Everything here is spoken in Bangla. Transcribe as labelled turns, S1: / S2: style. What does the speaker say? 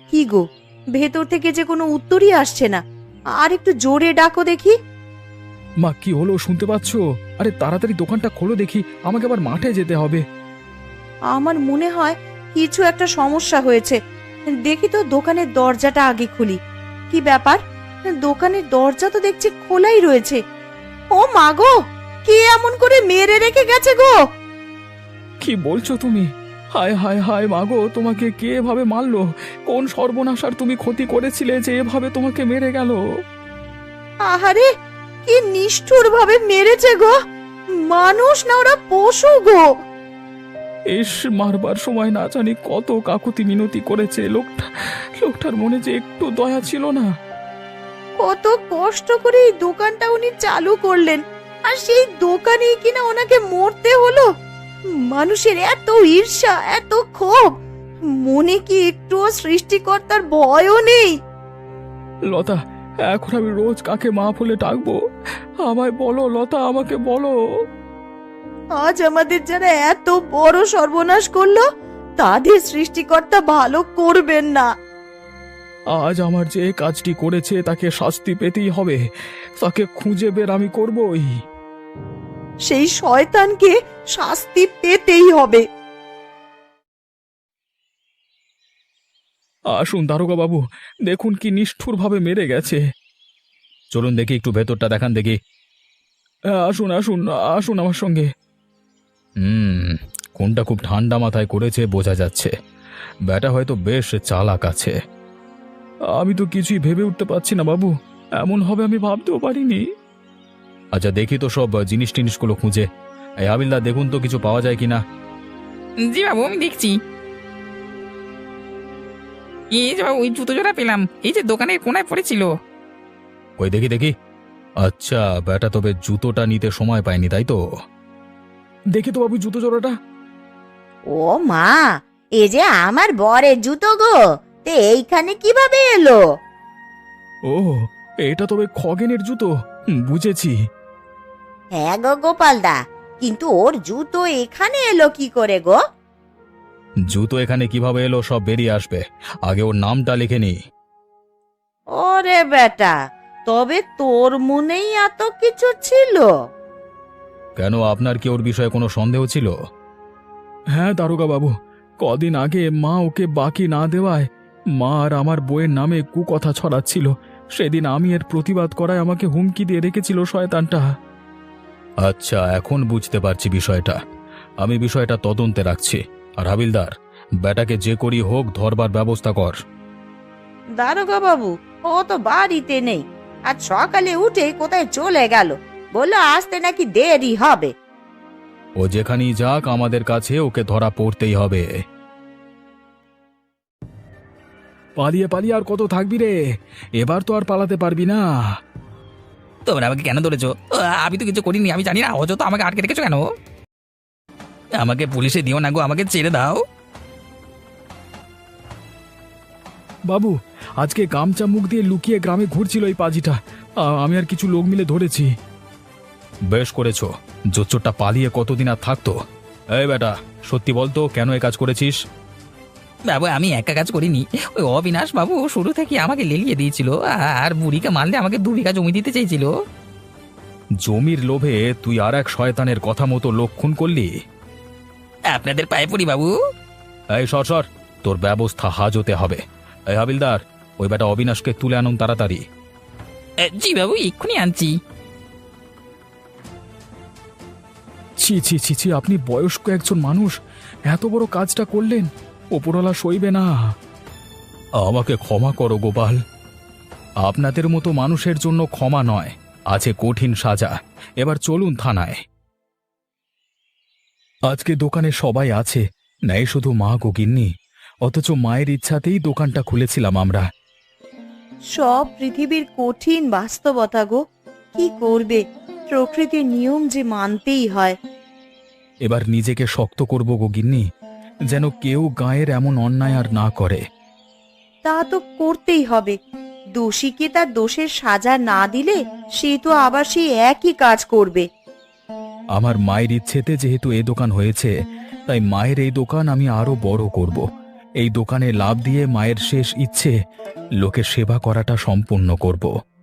S1: কি গো, ভেতর থেকে যে কোনো উত্তরই আসছে না। আর একটু জোরে ডাকো দেখি।
S2: মা, কি হলো, শুনতে পাচ্ছ? আরে তাড়াতাড়ি দোকানটা খোলো দেখি, আমাকে আবার মাঠে যেতে হবে।
S1: আমার মনে হয় কিছু একটা সমস্যা হয়েছে। দেখি তো দোকানের দরজাটা আগে খুলি। কি ব্যাপার, দোকানের দরজা তো দেখছি খোলাই রয়েছে। ও মা গো, কে এমন করে মেরে রেখে গেছে গো?
S2: কি বলছো তুমি? হায় হায় হায় মাগো, তোমাকে কে এভাবে মারলো? কোন সর্বনাশার তুমি ক্ষতি করেছিলে যে এভাবে তোমাকে মেরে গেল?
S1: আহারে, কি নিষ্ঠুর ভাবে মেরেছে গো! মানুষ না ওরা পশু গো।
S2: এস, মারবার সময় না জানি কত কাকুতি মিনতি করেছে লোকটার মনে যে একটু দয়া ছিল না।
S1: কত কষ্ট করে এই দোকানটা উনি চালু করলেন, আর সেই দোকানেই কিনা ওনাকে মরতে হলো। মানুষের এত ঈর্ষা, এত ক্ষোভ, মনে কি একটুও সৃষ্টিকর্তার ভয়ও নেই?
S2: লতা, এখন আমি রোজ কাকে মা বলে ডাকবো? আমায় বলো লতা, আমাকে বলো।
S1: আজ আমাদের যারা এত বড় সর্বনাশ করলো, তাদের সৃষ্টিকর্তা ভালো করবেন না।
S2: আজ আমার যে কাজটি করেছে তাকে শাস্তি পেতেই হবে, তাকে খুঁজে বের আমি করবই।
S1: সেই শয়তানকে শাস্তি পেতেই হবে।
S2: আসুন দারোগা বাবু, দেখুন কি নিষ্ঠুর ভাবে মেরে গেছে। চলুন দেখি, একটু ভেতরটা দেখান দেখি। আসুন আসুন আসুন আমার সঙ্গে। কোনটা খুব ঠান্ডা মাথায় করেছে বোঝা যাচ্ছে। ব্যাটা হয়তো বেশ চালাক আছে। আমি তো কিছুই ভেবে উঠতে পারছি না বাবু, এমন হবে আমি ভাবতেও পারিনি। আচ্ছা দেখি তো সব জিনিস টিনিসগুলো খুঁজে। এই হাবিলদার, দেখুন তো কিছু পাওয়া যায় কিনা।
S3: জি বাবু, আমি দেখছি। এই যে বাবু, ওই জুতো জোড়া পেলাম, এই যে দোকানের কোনায় পড়েছিল।
S2: কই দেখি দেখি। আচ্ছা, ব্যাটা তবে জুতোটা নিতে সময় পায়নি, তাই তো? দেখি তো বাবু জুতো জোড়াটা।
S1: ও মা, এ যে আমার বরের জুতো গো, তে এইখানে কিভাবে এলো?
S2: ও, এটা তবে খগেনের জুতো। বুঝেছি।
S1: হ্যাঁ গো গোপালদা, কিন্তু ওর জুতো এখানে এলো কি করে গো?
S2: জুতো এখানে কিভাবে এলো সব বেরিয়ে আসবে, আগে ওর নামটা লিখে নি।
S1: ওরে বেটা, তবে তোর মনেই এত কিছু ছিল?
S2: কেন, আপনার কি ওর বিষয়ে কোনো সন্দেহ ছিল? হ্যাঁ দারোগা বাবু, কদিন আগে মা ওকে বাকি না দেওয়ায় মা আর আমার বইয়ের নামে কুকথা ছড়াচ্ছিল। সেদিন আমি এর প্রতিবাদ করায় আমাকে হুমকি দিয়ে রেখেছিল শয়তানটা। আচ্ছা, এখন বুঝতে পারছি বিষয়টা। আমি বিষয়টা তদন্তে রাখছি। আর হাবিলদার, ব্যাটাকে যে করি হোক ধরবার ব্যবস্থা কর।
S1: দারোগা বাবু, ও তো বাড়িতে নেই। আজ সকালে উঠে কোথায় চলে গেল, বললো আসতে নাকি দেরি হবে।
S2: ও যেখানেই যাক, আমাদের কাছে ওকে ধরা পড়তেই হবে। পালিয়ে পালিয়ে আর কত থাকবি রে? এবার তো আর পালাতে পারবি না।
S3: তোমরা আমাকে কেন ধরেছো? আমি তো কিছু করিনি, আমি জানি না। অযথা আমাকে আটকে রেখেছো কেন? আমাকে পুলিশে দিও না গো, আমাকে ছেড়ে দাও।
S2: বাবু, আজকে গামছা মুখ দিয়ে লুকিয়ে গ্রামে ঘুরছিল এই পাজিটা। আমি আর কিছু লোক মিলে ধরেছি। বেশ করেছো, জোচ্চোরটা পালিয়ে কতদিন আর থাকতো। এই বেটা, সত্যি বলতো কেন এ কাজ করেছিস?
S3: বাবু, আমি একা কাজ করিনি। ওই অবিনাশ বাবু শুরু থেকে আমাকে লেলিয়ে দিয়েছিল, আর বুড়িকে মারলে আমাকে 2 বিঘা জমি দিতে চেয়েছিল।
S2: জমির লোভে তুই আর এক শয়তানের কথা মতো লোক খুন করলি।
S3: আপনাদের পায়ে পড়ি বাবু।
S2: এই সর সর, তোর ব্যবস্থা হাজতে হবে। এই হাবিলদার, ওই বেটা অবিনাশকে তুলে আনুন তাড়াতাড়ি।
S3: জি বাবু, এক্ষুনি আনছি।
S2: ছি ছি ছি ছি, আপনি বয়স্ক একজন মানুষ এত বড় কাজটা করলেন, ওপরওয়ালা সইবে না। আমাকে ক্ষমা করো গোপাল, আপনাদের মতো মানুষের জন্য ক্ষমা নয়, আছে কঠিন সাজা। এবার চলুন থানায়। আজকে দোকানে সবাই আছে, নেই শুধু মা গো গিন্নি। অথচ মায়ের ইচ্ছাতেই দোকানটা খুলেছিলাম আমরা।
S1: সব পৃথিবীর কঠিন বাস্তবতা গো, কি করবে, প্রকৃতির নিয়ম যে মানতেই হয়।
S2: এবার নিজেকে শক্ত করব গো গিন্নি, যেন কেউ গায়ের এমন অন্যায় আর না করে।
S1: তা তো করতেই হবে। দোষীকে তার দোষের সাজা না দিলে সে তো আবার সেই একই কাজ করবে।
S2: আমার মায়ের ইচ্ছেতে যেহেতু এই দোকান হয়েছে, তাই মায়ের এই দোকান আমি আরো বড় করব। এই দোকানে লাভ দিয়ে মায়ের শেষ ইচ্ছে লোকের সেবা করাটা সম্পূর্ণ করব।